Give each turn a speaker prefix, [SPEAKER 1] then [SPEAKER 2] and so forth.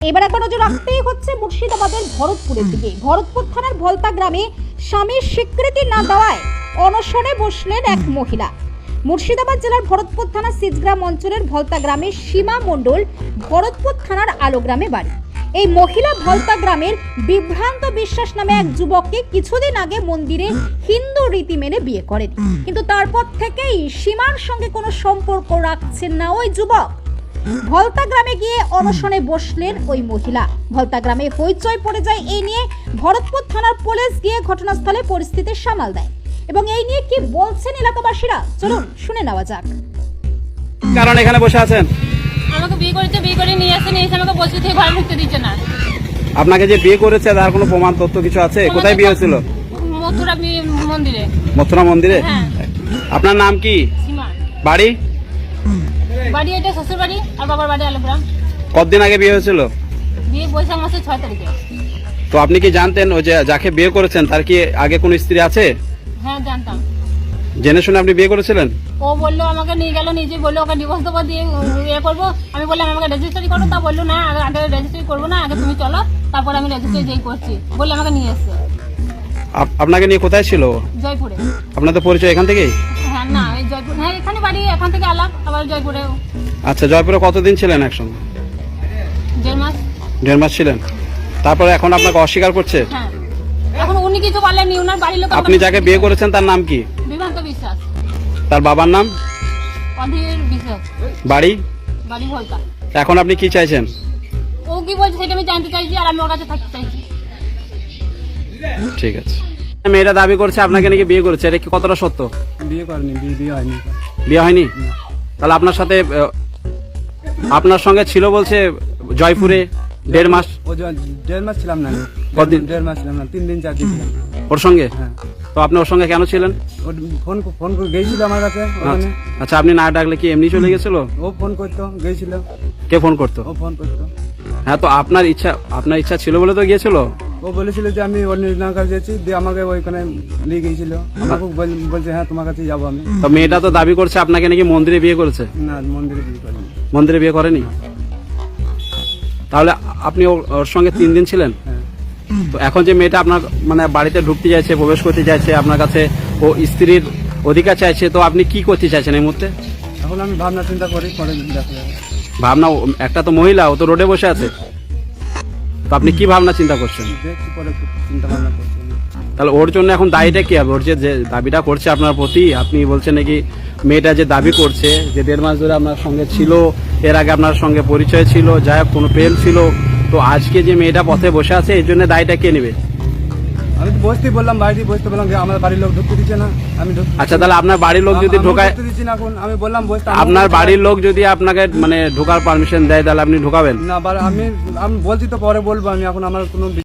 [SPEAKER 1] এবার একবার নজর রাখতেই হচ্ছে মুর্শিদাবাদের ভরতপুরের দিকে। ভরতপুর থানার ভলতা গ্রামে স্বামীর স্বীকৃতি না দেওয়ায় অনশনে বসলেন এক মহিলা। মুর্শিদাবাদ জেলার ভরতপুর থানার সিজগ্রাম অঞ্চলের ভলতা গ্রামের সীমা মণ্ডল ভরতপুর থানার আলোগ্রামে বাড়ি। এই মহিলা ভলতা গ্রামের বিভ্রান্ত বিশ্বাস নামে এক যুবককে কিছুদিন আগে মন্দিরে হিন্দু রীতি মেনে বিয়ে করেন, কিন্তু তারপর থেকেই সীমার সঙ্গে কোনো সম্পর্ক রাখছেন না ওই যুবক। ভলতা গ্রামে গিয়ে অনশনে বসলেন ওই মহিলা। ভলতা গ্রামে হইচই পড়ে যায়। এই নিয়ে ভরতপুর থানার পুলিশ গিয়ে ঘটনাস্থলে পরিস্থিতি সামাল দেয় এবং এই নিয়ে কি বলছেন এলাকাবাসীরা চলুন শুনে নেওয়া যাক।
[SPEAKER 2] কারণ এখানে বসে আছেন?
[SPEAKER 3] আমাকে বিয়ে করেছে, বিয়ে করে নিয়ে এসে আমাকে বসে থেকে ঘরে ঢুকতে দিচ্ছে না।
[SPEAKER 2] আপনাকে যে বিয়ে করেছে তার কোনো প্রমাণ তথ্য কিছু আছে? কোথায় বিয়ে হয়েছিল?
[SPEAKER 3] মথুরা মন্দিরে।
[SPEAKER 2] মথুরা মন্দিরে?
[SPEAKER 3] হ্যাঁ।
[SPEAKER 2] আপনার নাম কি?
[SPEAKER 3] সীমা।
[SPEAKER 2] বাড়ি?
[SPEAKER 3] বাড়ি এটা শ্বশুর বাড়ি, আর বাবার বাড়ি আলুগ্রাম।
[SPEAKER 2] কতদিন আগে বিয়ে হয়েছিল?
[SPEAKER 3] বিয়ে বৈশাখ মাসের 6 তারিখে।
[SPEAKER 2] তো আপনি কি জানতেন ওই যে যাকে বিয়ে করেছেন তার কি আগে কোনো স্ত্রী আছে?
[SPEAKER 3] হ্যাঁ জানতাম।
[SPEAKER 2] জেনে শুনে আপনি বিয়ে করেছিলেন?
[SPEAKER 3] ও বললো আমাকে নিয়ে গেল, নিজে বললো ওকে ডিভোর্স দেবো, দিয়ে ইয়ে করবো। আমি বললাম আমাকে রেজিস্ট্রি করো, তা বললো না আগে রেজিস্ট্রি করবো না, আগে তুমি চলো, তারপর আমি রেজিস্ট্রি যেই করছি বলে আমাকে নিয়ে এসছে।
[SPEAKER 2] আপনাকে নিয়ে কোথায় ছিল?
[SPEAKER 3] জয়পুরে।
[SPEAKER 2] আপনাদের পরিচয় এখান থেকেই?
[SPEAKER 3] হ্যাঁ না, এই জয়পুর, হ্যাঁ এখানে বাড়ি, এখান থেকে আলাপ, আবার জয়পুরে।
[SPEAKER 2] আচ্ছা, জয়পুরে কতদিন ছিলেন একসঙ্গে?
[SPEAKER 3] 1.5 মাস।
[SPEAKER 2] 1.5 মাস ছিলেন, তারপরে এখন আপনাকে অস্বীকার করছে?
[SPEAKER 3] হ্যাঁ, এখন উনি কিছু বলেননি, ওনার বাড়ির লোক।
[SPEAKER 2] আপনি যাকে বিয়ে করেছেন তার নাম কি?
[SPEAKER 3] বিভ্রান্ত বিশ্বাস।
[SPEAKER 2] তার বাবার নাম?
[SPEAKER 3] অধীর বিশ্বাস।
[SPEAKER 2] বাড়ি?
[SPEAKER 3] বাড়ি ভলতা।
[SPEAKER 2] এখন আপনি কি চাইছেন?
[SPEAKER 3] ও কি বলছে সেটা আমি জানতে চাইছি, আর আমি ওর কাছে থাকতে চাইছি।
[SPEAKER 2] ঠিক আছে। মেয়েরা দাবি করছে আপনাকে নাকি বিয়ে করেছে, এটা কি কতটা সত্য?
[SPEAKER 4] বিয়ে করেনি, বিয়ে হয়নি।
[SPEAKER 2] বিয়ে হয়নি? তাহলে আপনার সাথে আপনার সঙ্গে ছিল বলছে জয়পুরে 1.5 মাস।
[SPEAKER 4] ও 1.5 মাস ছিলাম না।
[SPEAKER 2] কতদিন?
[SPEAKER 4] 1.5 মাস ছিলাম না, 3 দিন 4 দিন ছিলাম।
[SPEAKER 2] ওর সঙ্গে?
[SPEAKER 4] হ্যাঁ।
[SPEAKER 2] তো আপনি ওর সঙ্গে কেন ছিলেন?
[SPEAKER 4] ও ফোন করে গেছিল আমার কাছে ওখানে।
[SPEAKER 2] আচ্ছা, আপনি না ডাকলে কি এমনি চলে গেছিল?
[SPEAKER 4] ও ফোন করতো, গেছিল।
[SPEAKER 2] কে ফোন করতো?
[SPEAKER 4] ও ফোন করতো।
[SPEAKER 2] হ্যাঁ, তো আপনার ইচ্ছা ছিল বলে তো গিয়েছিল।
[SPEAKER 4] ও বলেছিল যে আমি অন্যজনের কাছে যাচ্ছি, দিয়ে আমাকে ওইখানে নিয়ে গিয়েছিল। আমাকে বলছে হ্যাঁ তোমার কাছে যাবো আমি।
[SPEAKER 2] তো মেয়েটা তো দাবি করছে আপনাকে নাকি মন্দিরে বিয়ে করেছে।
[SPEAKER 4] না, মন্দিরে বিয়ে করেনি।
[SPEAKER 2] মন্দিরে বিয়ে করেনি? তাহলে আপনি ওর সঙ্গে 3 দিন ছিলেন?
[SPEAKER 4] হ্যাঁ।
[SPEAKER 2] তো এখন যে মেয়েটা আপনার মানে বাড়িতে ঢুকতে চাইছে, প্রবেশ করতে চাইছে আপনার কাছে, ও স্ত্রীর অধিকার চাইছে, তো আপনি কি করতে চাইছেন এই মুহূর্তে?
[SPEAKER 4] এখন আমি ভাবনা চিন্তা করি, পরে দেখা যাবে।
[SPEAKER 2] ভাবনা, একটা তো মহিলা, ও তো রোডে বসে আছে, তো আপনি কি ভাবনা চিন্তা করছেন?
[SPEAKER 4] দেখছি পরে চিন্তা ভাবনা করছি।
[SPEAKER 2] তাহলে ওর জন্য এখন দায়ীটা কি হবে? ওর যে দাবিটা করছে আপনার প্রতি, আপনি বলছেন নাকি মেয়েটা যে দাবি করছে যে 1.5 মাস ধরে আপনার সঙ্গে ছিল, এর আগে আপনার সঙ্গে পরিচয় ছিল, যাই হোক কোনো প্রেম ছিল, তো আজকে যে মেয়েটা পথে বসে আছে এই জন্য দায়ীটা কে নেবে?
[SPEAKER 4] আমি তো বসতে বললাম, বাড়িতে বসতে বললাম যে আমার বাড়ির লোক ঢুকতে দিচ্ছে না, আমি
[SPEAKER 2] আচ্ছা, তাহলে আপনার বাড়ির লোক যদি ঢোকায়,
[SPEAKER 4] দিচ্ছি না, এখন আমি বললাম বসতে,
[SPEAKER 2] আপনার বাড়ির লোক যদি আপনাকে মানে ঢোকার পারমিশন দেয় তাহলে আপনি ঢোকাবেন
[SPEAKER 4] না? আমি বলছি তো পরে বলবো, আমি এখন আমার কোনো